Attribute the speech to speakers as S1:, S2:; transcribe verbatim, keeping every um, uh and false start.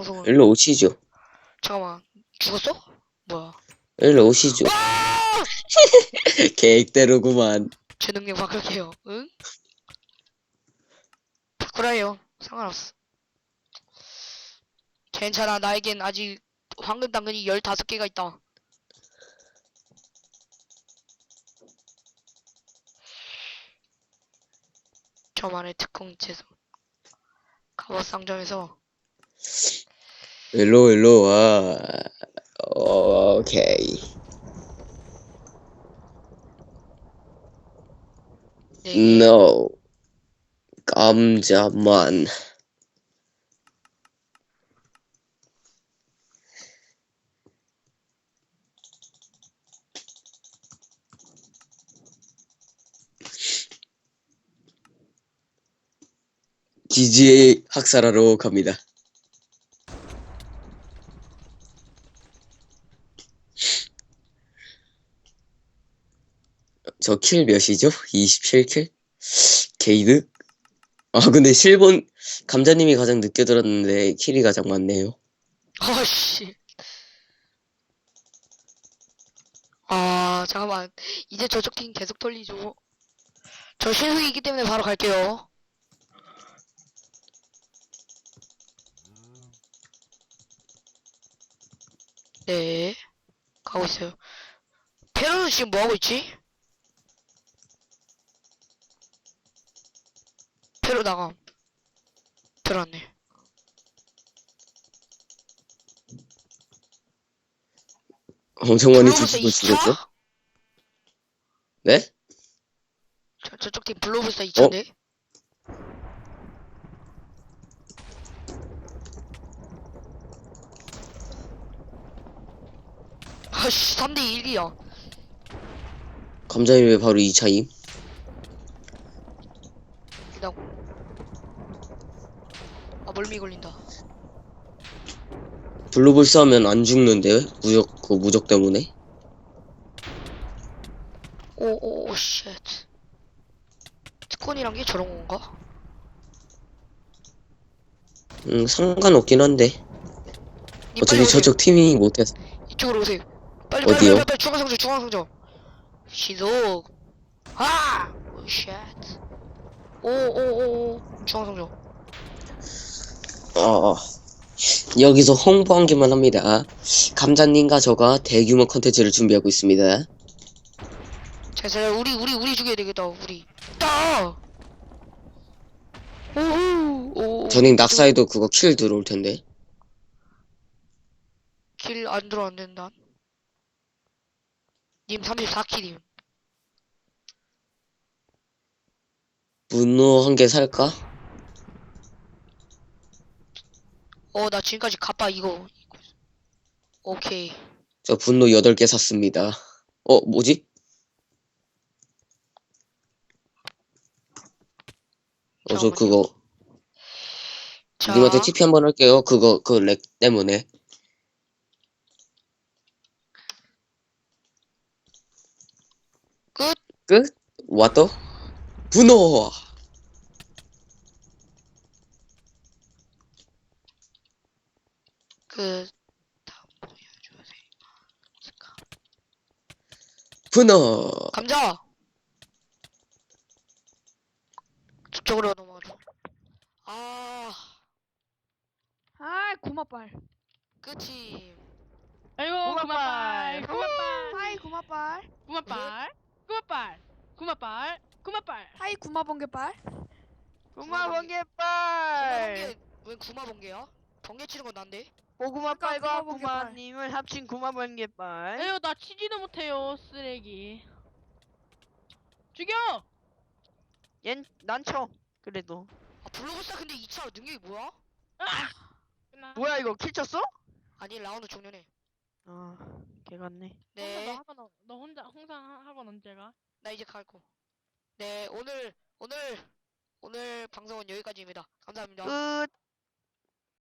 S1: 방송을.
S2: 일로 오시죠.
S1: 잠깐만. 죽었어? 뭐야?
S2: 일로 오시죠.
S1: 와!
S2: 계획대로구만.
S1: 제 능력 바꿀게요. 응? 바꾸라요. 상관없어. 괜찮아. 나에겐 아직 황금 당근이 열다섯 개가 있다. 저만의 특공 채소. 갑옷 상점에서
S2: 일로 일로 와. 오케이.
S1: 네 개.
S2: No. 감자만. 기지의 학살하러 갑니다. 저 킬 몇이죠? 이십칠 킬? 게이드? 아 근데 실본 감자님이 가장 늦게 들었는데 킬이 가장 많네요.
S1: 아씨. 아 잠깐만. 이제 저쪽 팀 계속 털리죠. 저 신속이기 때문에 바로 갈게요. 네. 가고 있어요. 페로는 지금 뭐하고 있지? 페로 나감. 들어왔네.
S2: 엄청 많이
S1: 블로브스
S2: 뒤지고
S1: 이 차?
S2: 죽였죠? 네?
S1: 저, 저쪽 팀 블로브스
S2: 어?
S1: 이 차인데? 아씨 삼 대 일이야.
S2: 감자님 왜 바로 이 차임?
S1: 일단 아 멀미 걸린다.
S2: 블루불스 하면 안 죽는데? 무적, 그 무적 때문에?
S1: 오오오 쉣. 특권이란 게 저런 건가?
S2: 음, 상관없긴 한데.
S1: 님 빨리
S2: 어차피
S1: 오세요.
S2: 저쪽 팀이 못해서.
S1: 이쪽으로 오세요. 빨리
S2: 어디요?
S1: 빨리 빨리 빨리 중앙상점 중앙상점. 시속. 아! 오 쉣. 오오오오 중앙상점.
S2: 어, 어. 여기서 홍보 한 개만 합니다. 감자님과 저가 대규모 컨텐츠를 준비하고 있습니다.
S1: 자, 자, 우리 우리 우리 죽여야 되겠다. 우리. 따. 오오 오.
S2: 저는 낙사해도 그거 킬 들어올 텐데.
S1: 길안 들어 안 된다. 님 삼십사 킬임.
S2: 분노 한 개 살까?
S1: 어, 나 지금까지 갑바 이거. 오케이.
S2: 저 분노 여덟 개 샀습니다. 어, 뭐지? 어, 저
S1: 잠깐만요.
S2: 그거
S1: 자,
S2: 님한테 티피 한번 할게요. 그거 그 렉 때문에.
S1: 끝.
S2: 끝? 왔더? 분노!
S1: 끝. 다음 보여주세요.
S2: 분노!
S1: 감자. 저쪽으로 넘어가죠. 아,
S3: 아이 구마빨.
S1: 끝이.
S4: 아이고
S3: 구마빨.
S4: 구마빨 구마빨
S3: 하이 구마빨.
S4: 구마빨 구마빨 구마빨 구마빨
S3: 하이 구마번개빨.
S1: 구마
S5: 구마번개빨
S1: 번개. 왜 구마 번개야? 번개 치는 건 난데?
S5: 고구마빨과
S3: 그러니까 구마번개빨.
S5: 구마님을 합친 구마번개빨.
S4: 에휴 나 치지도 못해요 쓰레기 죽여.
S5: 얜 난쳐. 그래도
S1: 아, 블로그스타 근데 이 차 능력이 뭐야?
S4: 아! 끝나.
S5: 뭐야 이거 킬 쳤어?
S1: 아니, 라운드 종료네.
S5: 아 개같네.
S4: 혼자
S1: 네,
S4: 너 학원 너 혼자 홍상 학원 언제 가?
S1: 나 이제 갈거. 네, 오늘, 오늘, 오늘 방송은 여기까지입니다. 감사합니다.
S5: 끝.